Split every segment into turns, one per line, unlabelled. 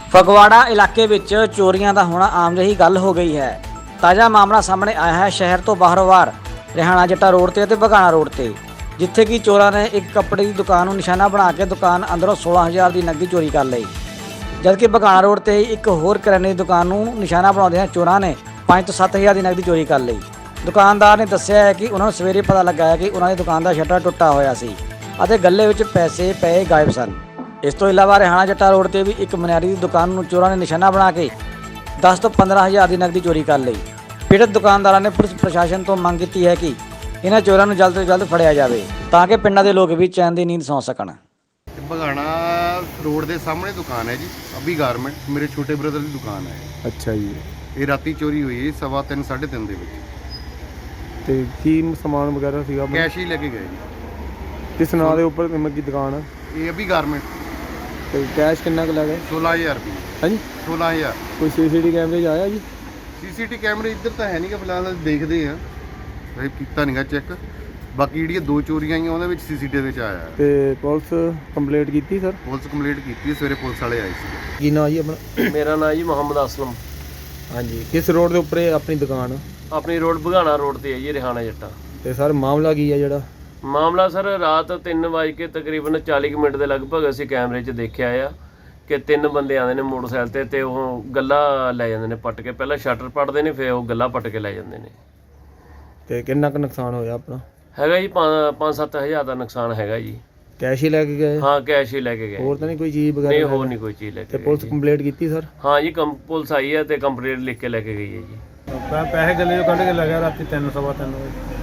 ਫਗਵਾੜਾ ਇਲਾਕੇ ਵਿੱਚ ਚੋਰੀਆਂ ਦਾ ਹੋਣਾ ਆਮ ਜਿਹੀ ਗੱਲ ਹੋ ਗਈ ਹੈ। ਤਾਜ਼ਾ ਮਾਮਲਾ ਸਾਹਮਣੇ ਆਇਆ ਹੈ ਸ਼ਹਿਰ ਤੋਂ ਬਾਹਰੋਂ-ਬਾਹਰ ਰਿਹਾਣਾ ਜੱਟਾ ਰੋਡ ਤੇ ਅਤੇ ਬਗਾਣਾ ਰੋਡ ਤੇ, ਜਿੱਥੇ ਕਿ ਚੋਰਾਂ ਨੇ ਇੱਕ ਕੱਪੜੇ ਦੀ ਦੁਕਾਨ ਨੂੰ ਨਿਸ਼ਾਨਾ ਬਣਾ ਕੇ ਦੁਕਾਨ ਅੰਦਰੋਂ 16000 ਦੀ ਨਕਦੀ ਚੋਰੀ ਕਰ ਲਈ। ਜਦਕਿ ਬਗਾਣਾ ਰੋਡ ਤੇ ਇੱਕ ਹੋਰ ਕਰਿਆਨੇ ਦੀ ਦੁਕਾਨ ਨੂੰ ਨਿਸ਼ਾਨਾ ਬਣਾਉਂਦਿਆਂ ਚੋਰਾਂ ਨੇ 5 ਤੋਂ 7000 ਦੀ ਨਕਦੀ ਚੋਰੀ ਕਰ ਲਈ। ਦੁਕਾਨਦਾਰ ਨੇ ਦੱਸਿਆ ਹੈ ਕਿ ਉਹਨਾਂ ਨੂੰ ਸਵੇਰੇ ਪਤਾ ਲੱਗਾ ਹੈ ਕਿ ਉਹਨਾਂ ਦੀ ਦੁਕਾਨ ਦਾ ਸ਼ਟਰ ਟੁੱਟਾ ਹੋਇਆ ਸੀ ਅਤੇ ਗੱਲੇ ਵਿੱਚ ਪੈਸੇ ਪਏ ਗਾਇਬ ਸਨ। ਇਸ ਤੋਂ ਇਲਾਵਾ ਰਿਹਾਣਾ ਜੱਟਾ ਰੋਡ ਤੇ ਵੀ ਇੱਕ ਮਨਿਆਰੀ ਦੀ ਦੁਕਾਨ ਨੂੰ ਚੋਰਾਂ ਨੇ ਨਿਸ਼ਾਨਾ ਬਣਾ ਕੇ 10 ਤੋਂ 15000 ਦੀ ਨਕਦੀ ਚੋਰੀ ਕਰ ਲਈ। ਪੀੜਤ ਦੁਕਾਨਦਾਰਾਂ ਨੇ ਪੁਲਿਸ ਪ੍ਰਸ਼ਾਸਨ ਤੋਂ ਮੰਗ ਕੀਤੀ ਹੈ ਕਿ ਇਹਨਾਂ ਚੋਰਾਂ ਨੂੰ ਜਲਦ ਤੋਂ ਜਲਦ ਫੜਿਆ ਜਾਵੇ ਤਾਂ ਕਿ ਪਿੰਡਾਂ ਦੇ ਲੋਕ ਵੀ ਚੈਨ ਦੀ ਨੀਂਦ ਸੌਂ ਸਕਣ।
ਬਗਾਣਾ ਰੋਡ ਦੇ ਸਾਹਮਣੇ ਦੁਕਾਨ ਹੈ ਜੀ, ਅਭੀ ਗਾਰਮੈਂਟ, ਮੇਰੇ ਛੋਟੇ ਬ੍ਰਦਰ ਦੀ ਦੁਕਾਨ ਹੈ।
ਅੱਛਾ ਜੀ।
ਇਹ ਰਾਤੀ ਚੋਰੀ ਹੋਈ ਹੈ 3:15 3:30 ਦੇ ਵਿੱਚ।
ਤੇ ਕੀ ਸਮਾਨ ਵਗੈਰਾ ਸੀਗਾ ਆਪਣਾ?
ਕੈਸ਼ ਹੀ ਲੈ ਕੇ ਗਏ ਜੀ।
ਕਿਸ ਨਾਂ ਦੇ ਉੱਪਰ ਕੀ ਦੁਕਾਨ ਆ?
ਇਹ ਅਭੀ ਗਾਰਮੈਂਟ।
ਤੇ ਕੈਸ਼ ਕਿੰਨਾ ਕੁ ਲੱਗਾ?
16000 ਰੁਪਏ।
ਹਾਂਜੀ
16000।
ਕੋਈ ਸੀਸੀਟੀ ਕੈਮਰੇ 'ਚ ਆਇਆ ਜੀ?
ਸੀਸੀਟੀ ਕੈਮਰੇ ਇੱਧਰ ਤਾਂ ਹੈ ਨਹੀਂ ਕਿ ਫਿਲਹਾਲ ਦੇਖਦੇ ਆ, ਇਹ ਕੀਤਾ ਨਹੀਂਗਾ ਚੈੱਕ। ਬਾਕੀ ਜਿਹੜੀਆਂ 2 ਚੋਰੀਆਂ ਆਈਆਂ ਉਹਨਾਂ ਵਿੱਚ ਸੀਸੀਟੀਵੀ ਵਿੱਚ ਆਇਆ।
ਤੇ ਪੁਲਿਸ ਕੰਪਲੇਂਟ ਕੀਤੀ ਸਰ?
ਪੁਲਿਸ ਕੰਪਲੀਟ ਕੀਤੀ, ਸਵੇਰੇ ਪੁਲਿਸ ਵਾਲੇ ਆਏ ਸੀ।
ਕੀ ਨਾਂ ਜੀ ਆਪਣਾ?
ਮੇਰਾ ਨਾਮ ਜੀ ਮੁਹੰਮਦ ਅਸਲਮ।
ਹਾਂਜੀ। ਕਿਸ ਰੋਡ ਦੇ ਉੱਪਰ ਇਹ ਆਪਣੀ ਦੁਕਾਨ?
ਆਪਣੀ ਰੋਡ ਬਗਾਣਾ ਰੋਡ ਤੇ ਹੈ ਜੀ, ਰਿਹਾਣਾ ਜੱਟਾ।
ਤੇ ਸਰ ਮਾਮਲਾ ਕੀ ਹੈ ਜਿਹੜਾ?
ਮਾਮਲਾ ਸਰ ਰਾਤ 3 ਵਜੇ ਕੇ ਤਕਰੀਬਨ 40 ਮਿੰਟ ਦੇ ਲਗਭਗ ਅਸੀਂ ਕੈਮਰੇ 'ਚ ਦੇਖਿਆ ਆ ਕਿ 3 ਬੰਦੇ ਆਉਂਦੇ ਨੇ ਮੋਟਰਸਾਈਕਲ ਤੇ ਉਹ ਗੱਲਾ ਲੈ ਜਾਂਦੇ ਨੇ ਪੱਟ ਕੇ। ਪਹਿਲਾਂ ਸ਼ਟਰ ਪੱਟਦੇ ਨੇ, ਫਿਰ ਉਹ ਗੱਲਾ ਪੱਟ ਕੇ ਲੈ ਜਾਂਦੇ ਨੇ।
ਤੇ ਕਿੰਨਾ ਕੁ ਨੁਕਸਾਨ ਹੋਇਆ ਆਪਣਾ?
ਹੈਗਾ ਜੀ 5-7 ਹਜ਼ਾਰ ਦਾ ਨੁਕਸਾਨ ਹੈਗਾ ਜੀ।
ਕੈਸ਼ ਹੀ ਲੈ ਕੇ ਗਏ?
ਹਾਂ ਕੈਸ਼ ਹੀ ਲੈ ਕੇ ਗਏ।
ਹੋਰ ਤਾਂ ਨਹੀਂ ਕੋਈ ਚੀਜ਼ ਵਗੈਰਾ?
ਨਹੀਂ, ਹੋਰ ਨਹੀਂ ਕੋਈ ਚੀਜ਼ ਲੈ ਕੇ
ਤੇ
ਗਏ
ਪੁਲਿਸ
ਜੀ।
ਕੰਪਲੇਂਟ ਕੀਤੀ ਸਰ?
ਹਾਂ ਜੀ, ਪੁਲਿਸ ਆਈ ਹੈ ਤੇ ਕੰਪਲੇਂਟ ਲਿਖ ਕੇ ਲੈ ਕੇ ਗਈ ਹੈ ਜੀ।
ਪੈਸੇ ਗੱਲੇ ਚੋਂ ਕੱਢ ਕੇ ਲੈ ਗਿਆ ਰਾਤੀ 3:15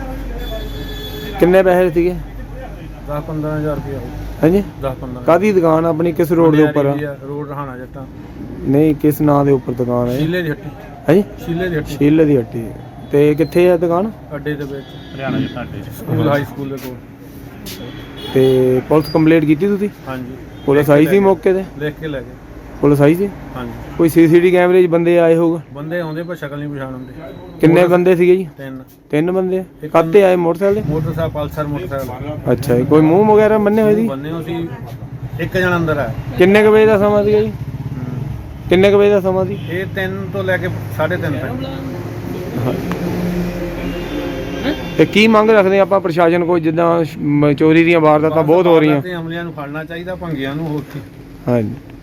ਵਜੇ।
ਕਿੰਨੇ ਪੈਸੇ ਸੀਗੇ?
10-15000 ਰੁਪਇਆ।
ਹਾਂਜੀ।
10-15।
ਕਾਹਦੀ ਦੁਕਾਨ ਆਪਣੀ? ਕਿਸ ਰੋਡ ਦੇ ਉੱਪਰ ਆ?
ਰੋਡ ਰਹਾਣਾ ਜੱਟਾ।
ਨਹੀਂ, ਕਿਸ ਨਾਂ ਦੇ ਉੱਪਰ ਦੁਕਾਨ ਹੈ?
ਸ਼ੀਲੇ ਦੀ ਹੱਟੀ।
ਹਾਂਜੀ।
ਸ਼ੀਲੇ ਦੀ ਹੱਟੀ।
ਸ਼ੀਲੇ ਦੀ ਹੱਟੀ। ਤੇ ਕਿੱਥੇ ਹੈ ਦੁਕਾਨ?
ਅੱਡੇ ਦੇ ਵਿੱਚ, ਹਰਿਆਣਾ ਜੱਟਾ ਅੱਡੇ ਸਕੂਲ, ਹਾਈ ਸਕੂਲ ਦੇ ਕੋਲ।
ਤੇ ਪੁਲਿਸ ਕੰਪਲੇਂਟ ਕੀਤੀ ਤੁਸੀਂ?
ਹਾਂਜੀ।
ਪੁਲਿਸ ਆਈ ਸੀ ਮੌਕੇ ਤੇ?
ਲਿਖ ਕੇ ਲੈ ਗਏ।
ਪੁਲਿਸ ਆਈ ਸੀ?
ਹਾਂਜੀ।
ਕੋਈ ਸੀਸੀਟੀ ਕੈਮਰੇ 'ਚ ਬੰਦੇ ਆਏ ਹੋਊਗਾ?
ਬੰਦੇ ਆਉਂਦੇ ਪਰ ਸ਼ਕਲ ਨਹੀਂ ਪਛਾਣ ਹੁੰਦੇ।
ਕਿੰਨੇ ਬੰਦੇ ਸੀਗੇ ਜੀ?
3।
3 ਬੰਦੇ? ਕਾਹਤੇ ਆਏ? ਮੋਟਰਸਾਈਕਲ ਤੇ?
Motorcycle, Pulsar motorcycle.
ਅੱਛਾ ਜੀ। ਕੋਈ ਮੂੰਹ ਵਗੈਰਾ ਬੰਨੇ ਹੋਏ ਸੀ?
ਬੰਨੇ ਹੋ ਸੀ। ਇੱਕ ਜਣਾ ਅੰਦਰ ਆ।
ਕਿੰਨੇ ਕੁ ਵਜੇ ਦਾ ਸਮਾਂ ਸੀਗਾ ਜੀ? ਕਿੰਨੇ ਕੁ ਵਜੇ ਦਾ ਸਮਾਂ ਸੀ?
ਇਹ 3 ਤੋਂ ਲੈ ਕੇ 3:30 ਤੱਕ।
ਤੇ ਕੀ ਮੰਗ ਰੱਖਦੇ ਆਪਾਂ ਪ੍ਰਸ਼ਾਸਨ ਕੋਲ, ਜਿੱਦਾਂ ਚੋਰੀ ਦੀਆਂ ਵਾਰਦਾਤਾਂ ਬਹੁਤ ਹੋ ਰਹੀਆਂ?
ਅਮਲੀਆਂ ਨੂੰ ਫੜਨਾ ਚਾਹੀਦਾ, ਭੰਗੀਆਂ ਨੂੰ। ਹੋਰ ਕੀ।
ਹਾਂਜੀ।